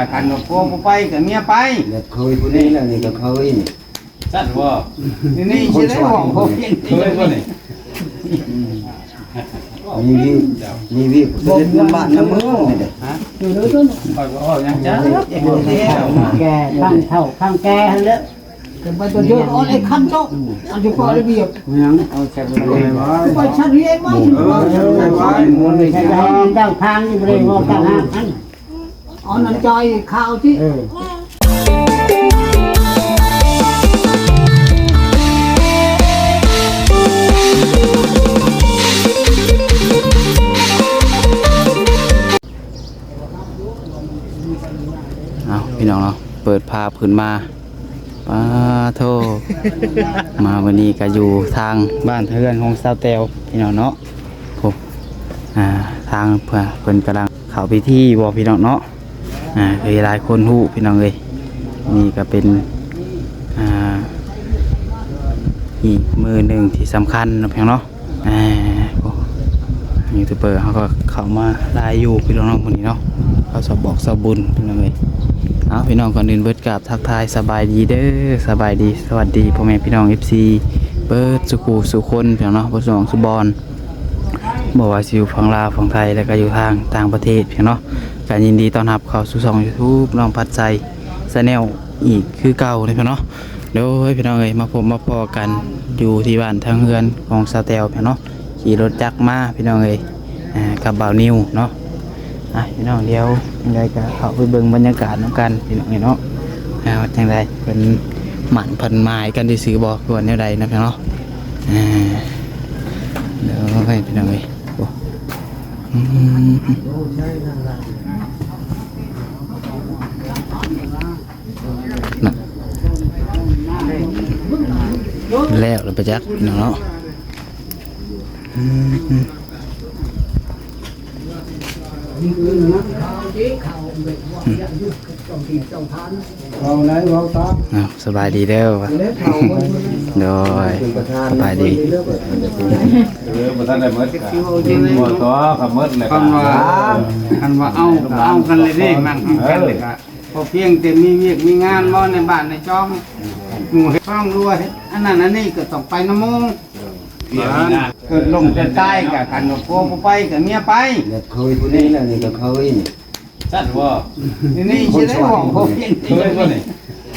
กับกันกับพวกไปกับเมียไปเคยผู้นี้แล้วนี่ก็เคยนี่จัดว่านี่ใช่ได้ห่วงพวกเคยว่านี่มีวิเด็ดน้ำบ้านน้ำเมืองนี่เด้ฮะอยู่ด้วยต้นคอยว่าอย่างจ้าแกข้างเท่าข้างแกฮันแล้วไปตัวเยอะอ๋อไอ้ขั้นโตอันจะพอระเบียบยังเอาแช่ไปไว้ไปชั้นเรียนมั้งม้วนเลยใช่ไหมเจ้าทางอยู่บริเวณงอต่างหากอันอ๋อนั่นจอยข่าวที่พี่น้องเนาะเปิดภาพขึ้นมาป้าโทมาวันนี้ก็อยู่ทางบ้านเฮือนของสาวแตวพี่น้องเนาะผมทางเพิ่นกำลังเข้าไปที่บ่พี่น้องเนาะเคยหลายคนฮู้พี่น้องเลยนี่ก็เป็นอีกมือหนึ่งที่สำคัญนะพี่น้องเนาะยูทูบเบอร์เขาก็เข้ามาได้อยู่พี่น้องคนนี้เนาะเขาสอบบอกสอบบุญพี่น้องเลยพี่น้องก่อนอื่นเบิดกับทักทายสบายดีเด้อสบายดีสวัสดีพ่อแม่พี่น้อง FC เบิดสุขุสุคนพี่น้องเนาะบ่สองสุบอลบอกว่าอยู่ฝั่งลาวฝั่งไทยแล้วก็อยู่ทางต่างประเทศพี่น้องเนาะการยินดีต้อนรับเข้าสู่ช่อง YouTube น้องพัดใจชาแนลอีกคือเก่าเลยพี่น้องเนาะเดี๋ยวพี่น้องเอ้ยมาพบมาพอกันอยู่ที่บ้านทางเฮือนของสาวแตวพี่น้องเนาะขี่รถจักรมาพี่น้องเอ้ยกับบ่าวนิวเนาะพี่น้องเดียวยังไงก็เข้าไปเบิ่งบรรยากาศน้องกันพี่น้องเนาะจังไดเป็นหมั่นพันไม้กันที่ซื้อบอกก่อนแนวใดนะพี่น้องเนาะเดี๋ยวให้พี่น้องเลยแล้วเราไปจักพี่น้องเนาะสบายดีเด้อโดยสบายดีประธานได้เมื่อหมดตัวกับเมื่อเลยคันว่าเอากันเลยดิมันกันเลยครับพอเพียงแต่มีเวียกมีงานบ่ในบ้านในจ้องหมู่ฟ้องรวยอันนั้นอันนี้ก็ต้องไปน้ำมงเกิดลงจะใต้กับกันกับพวกไปกับเมียไปเคยผู้นี้แล้วนี่ก็เคยนี่จัดว่านี่ใช่ได้ห่วงพวกเคยว่านี่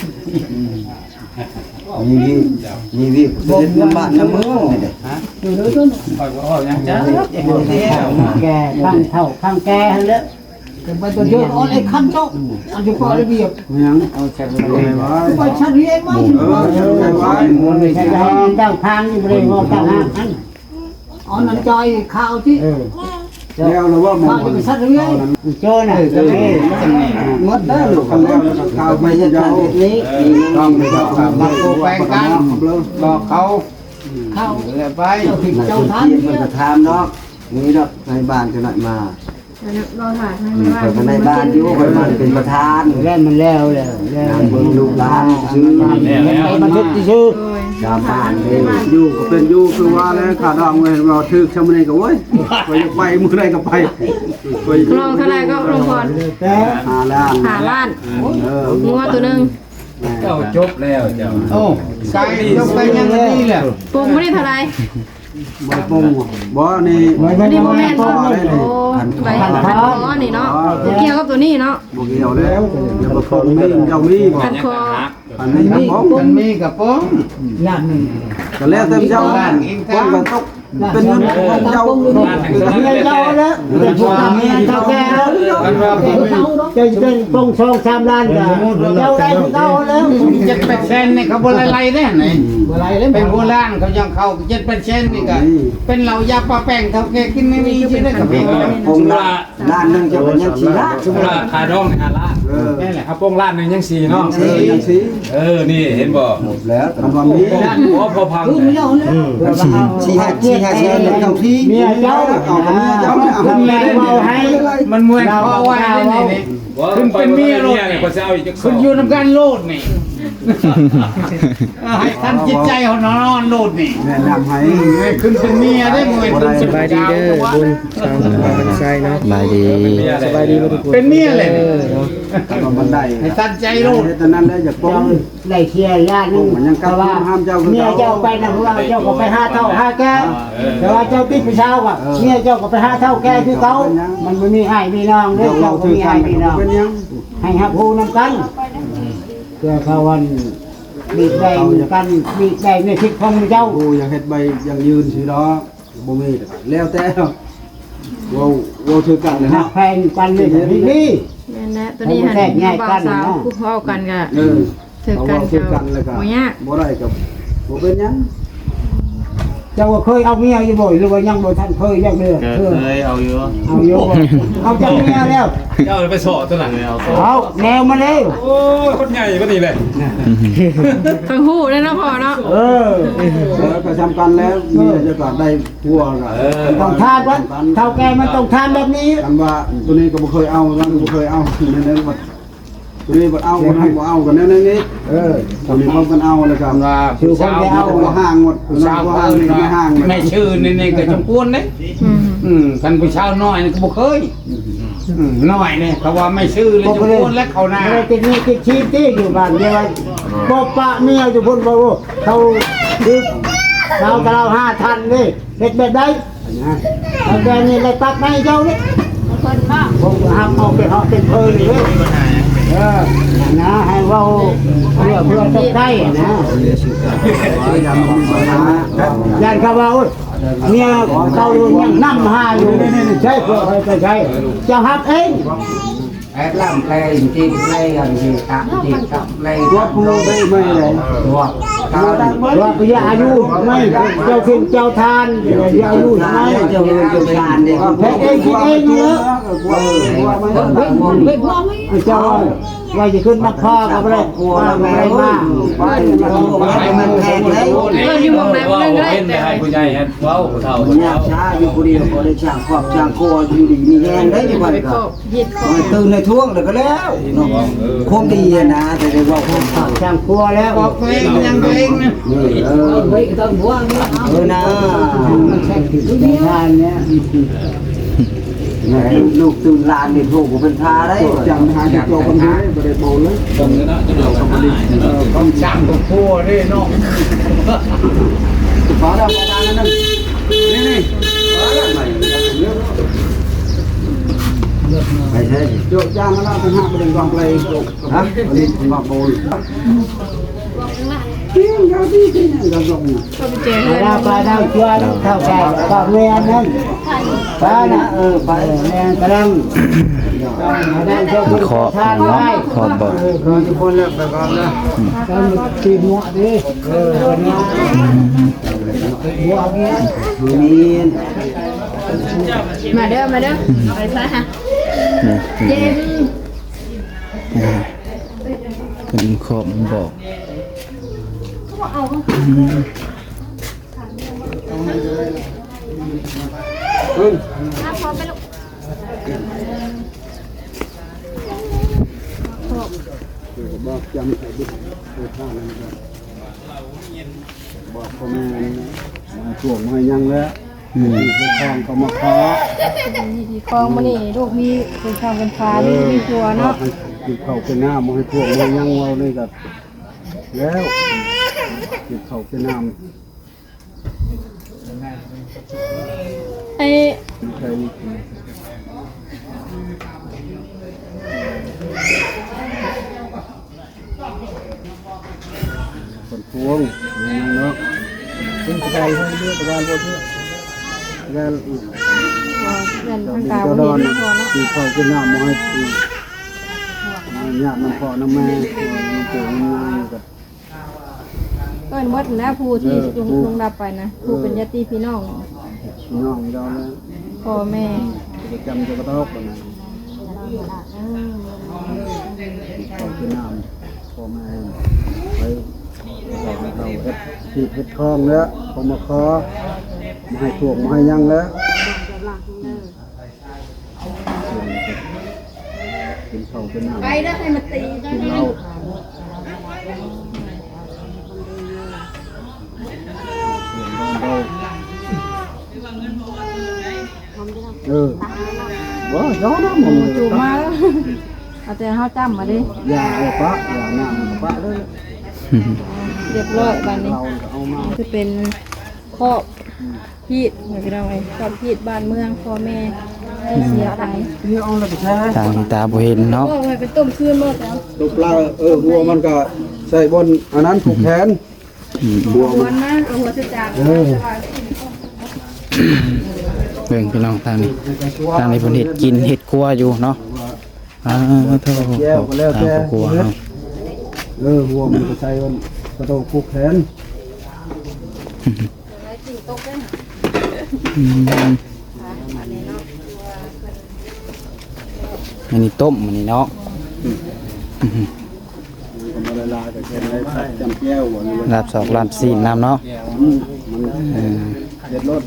มีวิเด็ดน้ำบ้านน้ำเมืองนี่เด้อยู่ด้วยต้นคอยว่าอย่างจ้าแกข้างเท่าข้างแกฮันแล้วไปตัวเยอะอ๋อไอ้ขั้นโตอันจะพอระเบียบยังเอาแช่ไปไว้ไปชั้นเรียนมั้งม้วนเลยใช่ไหมเจ้าทางอยู่บริเวณงอต่างหากอันอ๋อนั่นจอยข่าวที่แล้วเราว่ามันจะไปชั้นเรียนโจ้น่ะจะไม่งดได้หรือเขาแล้วข่าวไม่ใช่การนี้ต้องไปบอกมาโกแปงกันบอกเขาเลยไปเจ้าท่านมันจะทำเนาะนี่ดอกในบ้านจะหน่อยมาเราถ่ายให้ในบ้านอยู่คนมันเป็นประธานแล้วมันแล้วเบิ่งลูกหลานซื้อมันยึดซื้อชาวบ้านอยู่ก็เป็นอยู่คือว่าแล้วขาดองเว้ยเราถึกชาวมันก็โว้ยไปมื้อใดก็ไปลองเท่าไรก็ลงก่อน 5 ล้านงัวตัวนึงเจ้าจบแล้วเจ้าโอ้ไก่จบไปยังนี่แหละปรุงไม่ได้เท่าไรบ่ปรุงบ่นี่นี่โมเมนต์โอ้ใบอ๋อนี่เนาะเกี่ยวกับตัวนี้เนาะบ่เกี่ยวแล้วจะมาฟ้องมีเจ้ามีบ่ขัดคออันนี้มันมีกับป้องล้านนึงก็แล้วแต่เจ้าล้านป้องกันตกเป็นเงินของเจ้าเจ้าแล้วเป็นพวกเมียเจ้าแก่แล้วจะปง2-3 ล้านก็เจ้าได้เจ้าแล้ว 7%นี่เขาบ่ไล่ๆแน่ไหนบ่ไล่เลยเป็นโบราณเขายังเข้า7%นี่ก็เป็นเหล้ายาปลาแป้งเท่าแก่กินไม่มีสิได้กับพี่ผมล้านนึงจะเป็นยัง4 ล้านชุมราคาดอง5 ล้านนี่แหละครับโป้งล้านนึงยัง4เนาะยัง4 นี่เห็นบ่หมดแล้วทำว่ามีพอพัง 4-5เจ้าที่เมียเจ้าเอาเมียเจ้าเอาแม่เอาให้มันมวยคอไว้นี่คุณเป็นเมียโลดเนี่ยก็จะเอาอีกคุณอยู่นำกันโลดนี่ให้ท่านจิตใจเขานอนโลดนี่แนะนำให้ขึ้นเป็นเมียได้มึงเป็นสบายดีเด้อบุญชาวบ้านไซเนาะสบายดีสบายดีทุกคนเป็นเมียเลยก็มันได้ให้ท่านใจโลดตอนนั้นได้จากป้องได้เคลียร์ญาตินึงแต่ว่าเมียเจ้าไปนะพวกเราเจ้าก็ไปหาเท่าหาแก่แต่ว่าเจ้าติดผู้ชายว่ะเมียเจ้าก็ไปหาเท่าแก่คือเขามันไม่มีให้มีน้องเด้อเจ้าก็มีให้มีน้องเป็นยังให้ฮับฮูนำกันเพื่อเขาวันมีใจกันมีใจในทิศของเจ้าโอ้อยากเฮ็ดใบยังยืนสิดอกบ่มีแล้วแต่ว่าถือกันเลยหันะกแพงกันเลยนี่แม่นนะตัวนี้หันบ่าวสาวคู่เฮากันก็ ถือกันถือกันเลยครับบ่ยากบ่ได้กับบ่เป็นยังเจ้าเคยเอาเมียอยู่บ่หรือว่ายังบ่ทันเคยยังเด้อเคยเอาอยู่เอาเจ้าเมียแล้วเจ้าไปสอตัวหลังเลยเอาเอาแนวมาเลยโอ้ยคนใหญ่ก็นี่เลยทั้งฮู้ได้เนาะพ่อเนาะแล้วก็ทำกันแล้วมีจะก็ได้พัวก็ต้องทานวันเท่าแกมันต้องทานแบบนี้กันว่าตัวนี้ก็บ่เคยเอานั่นก็บ่เคยเอานั่นว่าตัวนี้บ่เอาคนนั้นบ่เอากันแน่นี้ตัวนี้พร้อมกันเอาเลยครับว่าคือคนไปเอาบ่ห่างหมดผู้สาวห่างนี่ไม่ห่างไม่ชื่อนี่ก็จำพวนเด้กันผู้ชาวน้อยก็บ่เคยน้อยเนี่ยเขาว่าไม่ชื่อเลยจำพวนและเขาหน้าไม่ได้ติดนี่ติดชีพที่อยู่บ้านเดียวบ่ปะเมียอยู่พุ่นบ่เขาคือเราแต่เรา5ท่านนี่เฮ็ดแบบใดนะเอาแกนี่เลยตัดให้เจ้านี่ผมก็ห้ามเอาไปเหาะเป็นเพลินเลยนะให้เว้าเพื่อต้องได้นะยันเขาว่าเมียเขายังนำหาอยู่ใช่เพื่อให้ใช่จะหับเองแอดล่ำแปลงจริงแปลงจริงตับจริงตับแปลงตัวผู้ได้ไม่เลยว่าตาดังว่าไปยาอายุไม่เจ้าขึ้นเจ้าทานอย่าอายุทำไมเจ้าเงินเจ้าทานเนี่ยแพ้เองคิดเองเยอะเจ้าว่าจะขึ้นมาพ่อกับอะไรว่าอะไรมามันแพงเลยอยู่วงไหนวงนึงก็ได้เป็นให้ผู้ใหญ่เฮ็ดเว้าผู้เฒ่ายากช้าอยู่คนเดียวก็ได้ช่างขอบช่างโคอยู่ดีมีแรงได้อยู่บ้านไปก็ครบเฮ็ดครบตื่นในท่วงแล้วก็แล้วคงดีนะแต่ได้ว่าคงขาดช่างครัวแล้วบอกตัวเองยังตัวเองนะไม่ต้องห่วงนะทานเนี่ยลูกตื่นลานนี่ถูกเป็นพาได้จังหาที่โตกันได้บ่ได้โบเลยต้องช่างตัวพัวด้วยเนาะขอได้ประมาณนั้นนี่ไปใช่โยกย่างมาแล้วเป็นห้าประเด็นกองเพลงฮะอันนี้มาโบยเพียงยาที่ที่นั่นก็ส่งก็ไปเจอเราไปได้ช่วยเท่าแก่ก็เมียนั่นไปนะไปแม่กำลังได้เจ้าคุณทานไว้ขอบบอกทุกคนแล้วไปก่อนนะกันตีหัวดิวันนี้หัวเนี้ยมีมาเด้อมาเด้อไปซะฮะเย็นคนขอบบอกบอกจำใส่ดิข้างนั้นก็บอกพ่อแม่ช่วงมายังแล้วที่ข้างเขามาขอคลองมานี่ลูกมีเป็นข้าวเป็นฟ้านี่มีครัวเนาะกินข้าวเป็นน้ำมาให้ช่วงมายังเราเลยกับแล้วกินข้าวเป็นน้ำไอ้ใช่คนพวงเนาะเป็นกระดานให้เลือกกระดานบนเลือกกระดานเงินกทางระกาดาวบ่นมีพอเนาะกินข้าวเป็นน้ำมาให้ญาติน้ำพ่อน้ำแม่ปู่น้ำนายกับก็หมดนะผู้ที่ลงรับไปนะผู้เป็นญาติพี่น้องน้องเราแล้วพ่อแม่จะจำจะกระทบกันนะข้าวเป็นน้ำพ่อแม่ไปเราเฮ็ดที่เฮ็ดคลองแล้วผมมาขอมาให้ถ่วงมาให้ยังแล้วกินข้าวเป็นน้ำไปได้ให้มาตีกินเหล้าว่าย้อนนะมึงจูบมาแล้วเอาแต่เฮาจำมาดิอย่าเอาปะอย่าหน้าปะเลยเรียบร้อยบัดนี้เราเอามาจะเป็นครอบพีดเหมือนกันไงครอบพีดบ้านเมืองพ่อแม่ได้เสียไปที่เอาแล้วก็ใช้ทางตาบ่เห็นเนาะก็ไปเป็นต้มคืนหมดแล้วตัวปลาหัวมันก็ใส่บนอันนั้นผูกแขนหัวหัมัวน นะเอาหัวจะจางเบิ่งพี่น้องทางนี้ทางนี้เพิ่นเฮ็ดกินเฮ็ดครัวอยู่เนาะโทษแก้วก็แล้วทางแต่ครัวเฮาหัวมันก็ใส่บนกระโดดผูกแขนอันนี้ต้มอันนี้เนาะมันก็ละลายกับแขนเลยใส่จำแก้วหัวนี่ลาบสอกลาบซีนน้ำเนาะมันเด็ดรส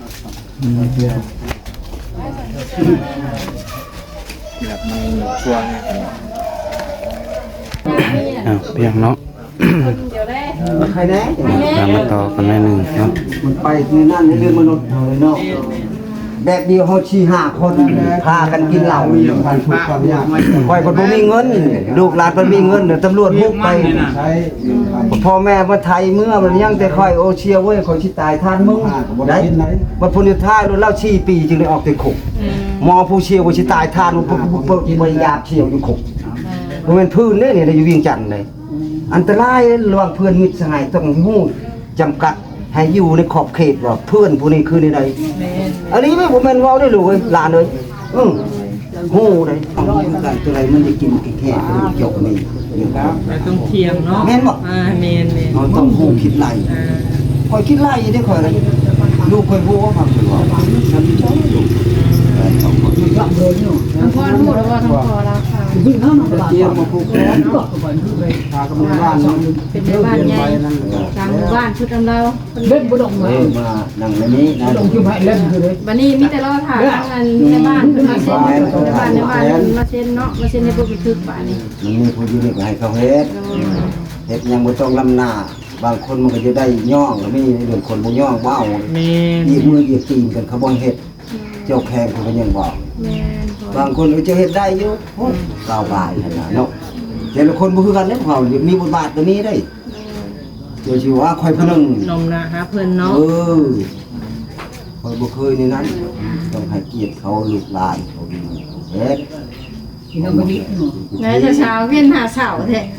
เพียงเนาะเดี๋ยวได้ใครแน่ตามมาต่อกันหน่อยหนึงเนาะมันไปคือนั่นในเรื่องมนุษย์เลยเนาะแบบเดียวเขาชี้หาคนพากันกินเหล้าการถูกความยากคอยคนบ่มีเงินลูกหลานมันมีเงินเดี๋ยวตำรวจบุกไปใช้พ่อแม่มาไทยเมื่อมันยังแต่คอยโอเชียเว้ยคอยชิตายท่านมึงได้บัดพุนิท้ายแล้วเล่าชี้ปีจึงได้ออกติดคุกหมอผู้เชียวว่าชิตายท่านบ่ยาบเชียวอยู่คุกมันเป็นพื้นเด้เนี่ยอยู่เวียงจันทน์เลยอันตรายระหว่างเพื่อนมิตรสหายต้องฮู้จำกัดให้อยู่ในขอบเขตว่าเพื่อนผู้นี้คือในใดอันนี้ไม่ผมแม่นเว้าได้เลยหลานเลยฮู้ได้เอากันตัวใดมันจะกินแค่เกี่ยวกับนี่ต้องเทียงเนาะแม่นบ่เมนเราต้องฮู้คิดไล่คอยคิดไล่ได้คอยเลยลูกคอยฮู้ว่าความว่าฉันชอบอยู่ต้องคนทั้งพ่อทั้งหมดแล้วว่าทั้งพ่อราคาเจียมมาผูกแขนพากันมาบ้านเป็นในบ้านใหญ่ทางหมู่บ้านชุดดำเราเล่นบ่ดงมามานั่งในนี้นะดงคือไผเล่นคือเลยบัดนี้มีแต่เราถ่ายทางในบ้านขึ้นมาเซ็นในบ้านมาเซ็นเนาะมาเซ็นในพวกบันทึกป่านี้มันมีผู้อยู่นี่ก็ให้เขาเฮ็ดเฮ็ดยังบ่ต้องลำหน้าบางคนมันก็จะได้ย่องแล้วมีเรื่องคนบ่ย่องบ่เอาเมนอีมืออีตีนกันเขาบ่เฮ็ดเจ้าแขกเขาก็ยังบอกแม่นพอบางคนก็จะเฮ็ดได้อยู่ก้าวบายขนาดเนาะแต่ละคนบ่คือกันเด้เขามีบทบาทตัวนี้ได้เจ้าสิว่าค่อยผู้นึงนมนะฮะเพิ่นเนาะค่อยบ่เคยในนั้นต้องให้เกียรติเขาลูกหลานเขาดีเฮ็ดไหนจะเช้าเวียนหาเสาแท้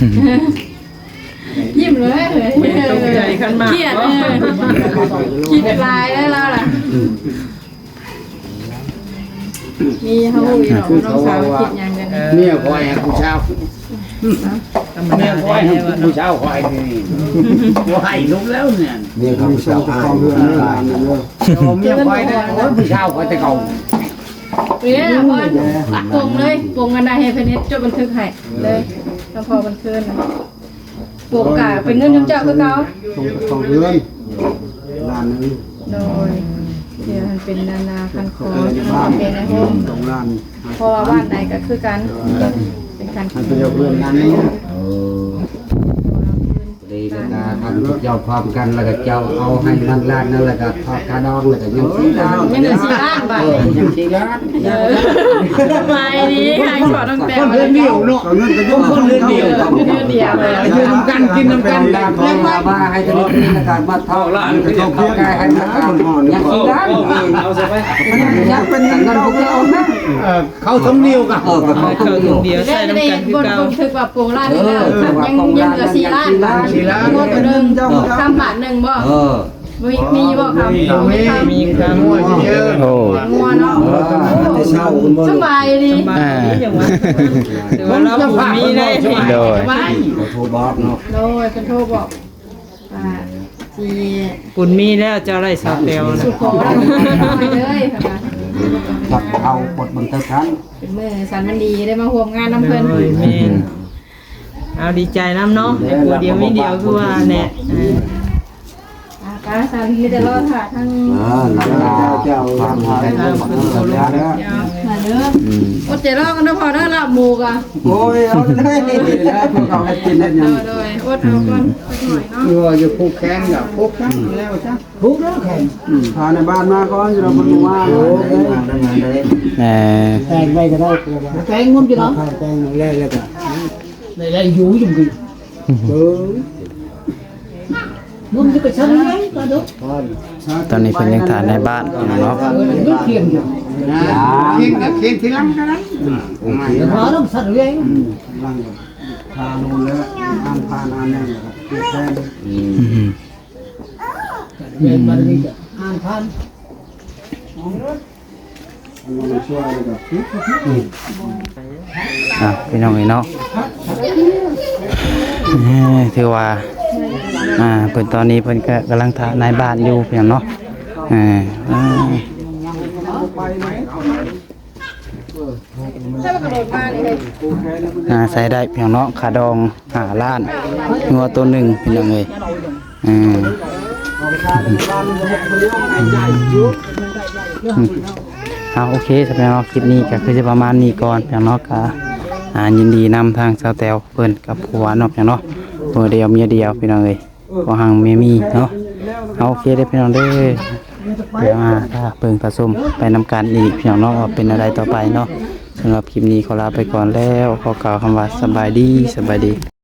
ยิ้มเลยตกใจขึ้นมาเครียดคิดลายได้แล้วล่ะมีเฮาอยู่เนาะน้องสาวคิดหยังกันเนี่ยคอยให้ผู้ชาวเนี่ยคอยให้ผู้ชาวคอยนี่บ่ให้ลุกแล้วเนี่ยนี่เขาผู้ชาวอ้ายเรือนหลานเยอะเมียคอยได้โอ้ยผู้ชาวคอยแต่เก่าเนี่ยพ่อปงเลยปงกันได้ให้เพิ่นเฮ็ดจดบันทึกให้เลยแล้วพอบันทึกนะปงกะเป็นเงินจำเจ้าคือเก่าของเรือนหลานนึงโดยเดี๋ยวมันเป็นนานาคันคอเป็นในโฮมสองล้านเพราะว่าบ้านใดก็คือกันเป็นการให้ไปเอาเรือนนั้นนี่ดีแล้วก็ทำเจ้าพร้อมกันแล้วก็เจ้าเอาให้นั่นล้านนั่นแล้วก็ทอดกระดองแล้วก็ยัง4 ล้านยังเหลือ4ล้านบาทยัง4 ล้านไม่ดีค่ะขอต้องแต่คนเดียวเดียวเนาะเอาเงินไปยุ่งคนเดียวเดียวเดียวเลยอยู่น้ำกันกินน้ำกันดาวของมาให้กันนี่แล้วก็มาทอดล้านก็ต้องเข้าใกล้ให้มันกันยัง4 ล้านเอาซะไปยังเป็นเงินพวกเรานะเขาสมเดียวกันก็เขาต้องอยู่เดียวได้ใส่น้ำได้กันคืบอน เก่าบันทึกว่าปงล้านนี่แล้วยังเหลือ4ล้านงวดตัวนึงคำบาทนึงบ่มีบ่ครับมีคำมั่วเยอะโอ้งัวเนาะแต่เช้าคุณบ่สบายดีอย่างว่าถือว่าเราบ่มีได้โดยไว้โทรบอกเนาะโดยเป็นโทรบอกว่าจีปุ่นมีแล้วเจ้าได้สาวเตียวนะสุขอแล้วไปเลยค่ะจับเอากดบันทึกทันเป็นมือสันมันดีได้มาร่วมงานน้ำเพิ่นโอ้ยแม่นเอาดีใจน้ำเนาะไอ้ผู้เดียวไม่เดียวคือว่าแน่ไปสันมีแต่รอถ่าทั้งหลังเจ้าความหายแล้วมาเด้ออดใจรอกันเด้อพอเด้อลาบหมูกะโอ้ยเอาได้แล้วพวกเขาให้กินได้ยังโดยอดเอาก่อนสักหน่อยเนาะเรือจะผูกแขนกับผูกแขนแล้วจ้ะทุกแล้วแข่งพาในบ้านมาก่อนเราเป็นว่าโอ้ยได้ไงได้แต่งไปก็ได้แต่งงุ้มจีเนาะแต่งแล้วแล้วก็ได้อยู่จริงๆงุ้มจะไปชั้นไหนก็ดูตอนนี้เพิ่นยังถ่ายในบ้านเนาะนึกเทียมอยู่เคียงกับเคียงทีหลังก็ได้พอต้องสั่นเลยร่างทานูแล้วอ่านพานอ่านนั่นครับแทนเรียนมาดีก็อ่านพันมันช่วยกับพี่น้องเนาะถือว่าเพิ่นตอนนี้เพิ่นก็กำลังถ่ายในบ้านอยู่เพียงเนาะถ้ากระโดดมานี่เลยใส่ได้เพียงเนาะขาดอง5 ล้านงัวตัวหนึ่งพี่น้องเอ้ยโอเคสำหรับเนาะคลิปนี้ก็คือจะประมาณนี้ก่อนเพียงเนาะก็ยินดีนำทางสาวแตวเพิ่นกับผัวเนาะเพียงเนาะผัวเดียวเมียเดียวพี่น้องเอ้ยบ่ห่างเมียมีเนาะโอเคได้พี่น้องเด้อเดี๋ยวถ้าเบิ่งผสมไปนำกันอีกพี่น้องเนาะว่าเป็นอะไรต่อไปเนาะสำหรับคลิปนี้ขอลาไปก่อนแล้วขอกล่าวคำว่าสบายดี